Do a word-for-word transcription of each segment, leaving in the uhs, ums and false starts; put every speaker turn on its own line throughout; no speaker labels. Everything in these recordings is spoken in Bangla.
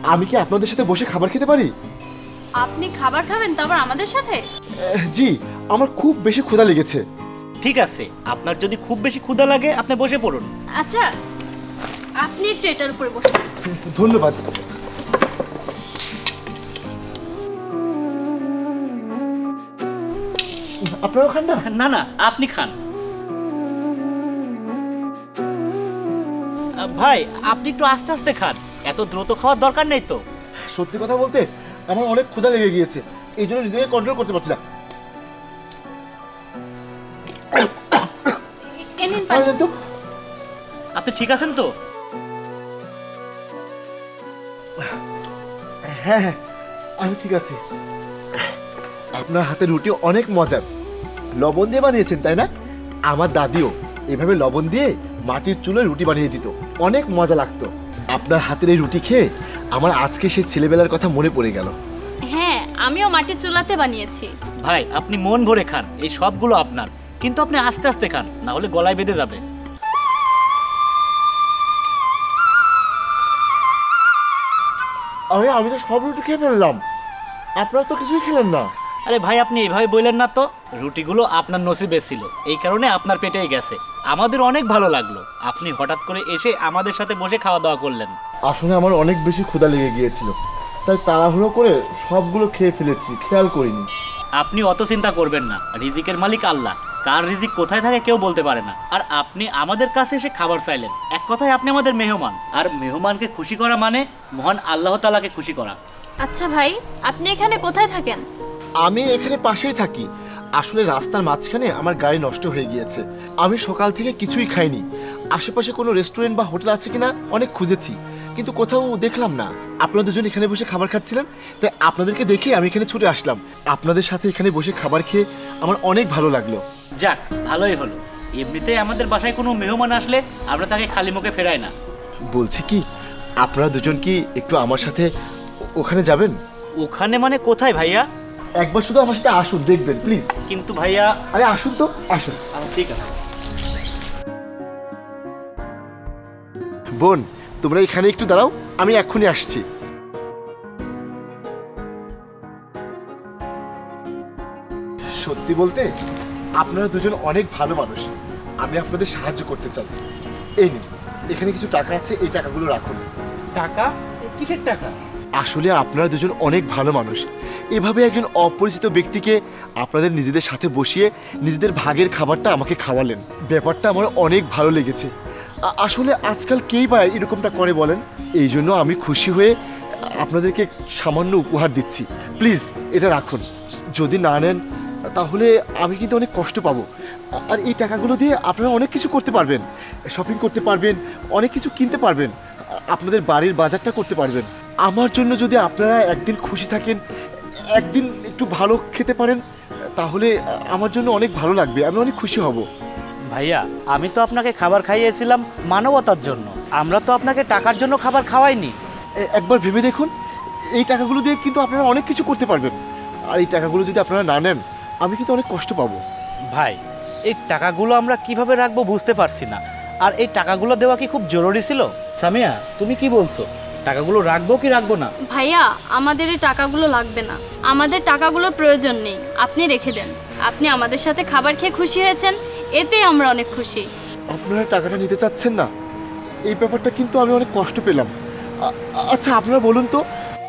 আমি কি আপনাদের সাথে বসে খাবার খেতে পারি?
আপনি খাবার খাবেন তারপর আমাদের সাথে?
আহ, জি, আমার খুব বেশি ক্ষুধা লেগেছে।
ঠিক আছে, আপনার যদি খুব বেশি ক্ষুধা লাগে আপনি বসে পড়ুন।
আচ্ছা, আপনি একটু এটার উপরে বসুন।
ধন্যবাদ। আপনারা খান না?
না না, আপনি খান। আহ, ভাই আপনি একটু আস্তে আস্তে খান, এত দ্রুত খাওয়ার দরকার নেই তো।
সত্যি কথা বলতে আমার অনেক ক্ষুধা লেগে গিয়েছে, এই জন্য নিজেকে কন্ট্রোল করতে পারছি না।
এ নিন পানি।
আরে তো,
আপনি ঠিক আছেন তো?
হ্যাঁ হ্যাঁ, আমি ঠিক আছি। আপনার হাতের রুটি অনেক মজার, লবণ দিয়ে বানিয়েছেন তাই না? আমার দাদিও এভাবে লবণ দিয়ে মাটির চুলোয় রুটি বানিয়ে দিত, অনেক মজা লাগতো। আপনার হাতের এই রুটি খেয়ে আমার আজকে সেই ছেলেবেলার কথা মনে পড়ে গেল।
হ্যাঁ, আমিও মাটির চুলাতে বানিয়েছি।
ভাই আপনি মন ভরে খান, এই সবগুলো আপনার, কিন্তু আপনি আস্তে আস্তে খান, না হলে গলায় বেঁধে যাবে।
আরে আমি তো সব রুটি খেয়ে ফেললাম, আপনারা তো কিছুই খেলেন না।
আরে ভাই আপনি এইভাবে বললেন না তো, রুটিগুলো আপনার নসিবে ছিল, এই কারণে আপনার পেটেই গেছে। আমাদের অনেক ভালো লাগলো আপনি হঠাৎ করে এসে আমাদের সাথে বসে খাওয়া দাওয়া করলেন।
আসলে আমার অনেক বেশি ক্ষুধা লেগে গিয়েছিল, তাই তাড়াহুড়ো করে সবগুলো খেয়ে ফেলেছি, খেয়াল করিনি।
আপনি অত চিন্তা করবেন না, রিজিকের মালিক আল্লাহ, কার রিজিক কোথায় থাকে কেউ বলতে পারে না। আর আপনি আমাদের কাছে এসে খাবার চাইলেন, এক কথায় আপনি আমাদের মেহমান, আর মেহমানকে খুশি করা মানে মহান আল্লাহ তাআলাকে খুশি করা।
আচ্ছা ভাই, আপনি এখানে কোথায় থাকেন?
আমি এখানে পাশেই থাকি। আসলে রাস্তার মাঝখানে আমার গাড়ি নষ্ট হয়ে গিয়েছে, আমি সকাল থেকে কিছুই খাইনি। আশেপাশে কোনো রেস্টুরেন্ট বা হোটেল আছে কিনা অনেক খুঁজেছি, কিন্তু কোথাও দেখলাম না। আপনারা দুজন এখানে বসে খাবার খাচ্ছিলেন, তাই আপনাদেরকে দেখে আমি এখানে ছুটে আসলাম। আপনাদের সাথে এখানে বসে খাবার খেয়ে আমার অনেক ভালো লাগলো।
যাক, ভালোই হলো। এমনিতেই আমাদের বাসায় কোনো মেহমান আসলে আমরা তাকে খালি মুখে ফেরাই না।
বলছি কি, আপনারা দুজন কি একটু আমার সাথে ও- ওখানে যাবেন?
ওখানে মানে কোথায় ভাইয়া?
একবার শুধু আমার সাথে আসুন, দেখবেন প্লিজ।
কিন্তু ভাইয়া।
আরে আসুন তো, আসুন।
আহ, ঠিক আছে।
বোন, তোমরা এখানে একটু দাঁড়াও, আমি এক্ষুনি আসছি। সত্যি বলতে আপনারা দুজন অনেক ভালো মানুষ, আমি আপনাদের সাহায্য করতে চাই। এই নিন, এখানে কিছু টাকা আছে, এই টাকাগুলো রাখুন।
টাকা? কিসের টাকা?
আসলে আপনারা দুজন অনেক ভালো মানুষ, এভাবে একজন অপরিচিত ব্যক্তিকে আপনাদের নিজেদের সাথে বসিয়ে নিজেদের ভাগের খাবারটা আমাকে খাওয়ালেন, ব্যাপারটা আমার অনেক ভালো লেগেছে। আ- আসলে আজকাল কেই বা এরকমটা করে বলেন? এই জন্য আমি খুশি হয়ে আপনাদেরকে সামান্য উপহার দিচ্ছি। প্লিজ এটা রাখুন, যদি না নেন তাহলে আমি কিন্তু অনেক কষ্ট পাবো। আর এই টাকাগুলো দিয়ে আপনারা অনেক কিছু করতে পারবেন, শপিং করতে পারবেন, অনেক কিছু কিনতে পারবেন, আপনাদের বাড়ির বাজারটা করতে পারবেন। আমার জন্য যদি আপনারা একদিন খুশি থাকেন, একদিন একটু ভালো খেতে পারেন, তাহলে আমার জন্য অনেক ভালো লাগবে, আমি অনেক খুশি হব।
ভাইয়া, আমি তো আপনাকে খাবার খাইয়েছিলাম মানবতার জন্য, আমরা তো আপনাকে টাকার জন্য খাবার খাওয়াইনি।
এ- একবার ভেবে দেখুন, এই টাকাগুলো দিয়ে কিন্তু আপনারা অনেক কিছু করতে পারবেন। আর এই টাকাগুলো যদি আপনারা না নেন, আমি কিন্তু অনেক কষ্ট পাবো।
ভাই, এই টাকাগুলো আমরা কিভাবে রাখবো বুঝতে পারছি না, আর এই টাকাগুলো দেওয়া কি খুব জরুরি ছিল? সামিয়া, তুমি কি বলছো, টাকাগুলো রাখবো কি রাখবো না?
ভাইয়া, আমাদের এই টাকাগুলো লাগবে না, আমাদের টাকাগুলোর প্রয়োজন নেই, আপনি রেখে দেন। আপনি আমাদের সাথে খাবার খেয়ে খুশি হয়েছেন, এতে আমরা অনেক খুশি।
আপনারা টাকাটা নিতে চাচ্ছেন না, এই ব্যাপারটা কিন্তু আমি অনেক কষ্ট পেলাম। আ- আচ্ছা আপনারা বলুন তো, আ-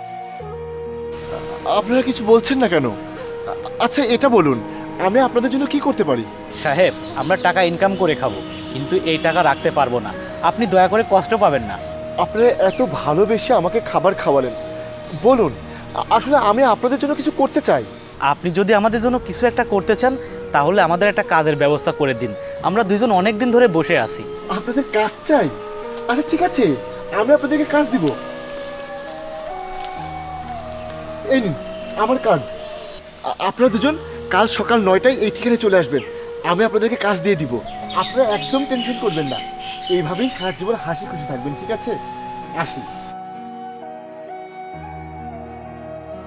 আপনারা কিছু বলছেন না কেন? আ- আচ্ছা এটা বলুন, আমি আপনাদের জন্য কি করতে পারি?
সাহেব, আমরা টাকা ইনকাম করে খাবো, কিন্তু এই টাকা রাখতে পারবো না, আপনি দয়া করে কষ্ট পাবেন না।
আপনারা এত ভালোবেসে আমাকে খাবার খাওয়ালেন, বলুন আ- আসলে আমি আপনাদের জন্য কিছু করতে চাই।
আপনি যদি আমাদের জন্য কিছু একটা করতে চান তাহলে আমাদের একটা কাজের ব্যবস্থা করে দিন, আমরা দুইজন অনেক দিন ধরে বসে আছি।
আপনাদের কাজ চাই? আচ্ছা ঠিক আছে, আমি আপনাদেরকে কাজ দিব। এই নিন আমার কার্ড, আ- আপনারা দুজন কাল সকাল নয়টায় এই ঠিকানায় চলে আসবেন, আমি আপনাদেরকে কাজ দিয়ে দিব। আপনারা একদম টেনশন করবেন না, এইভাবেই সারা জীবন হাসি খুশি থাকবেন, ঠিক আছে? আসি।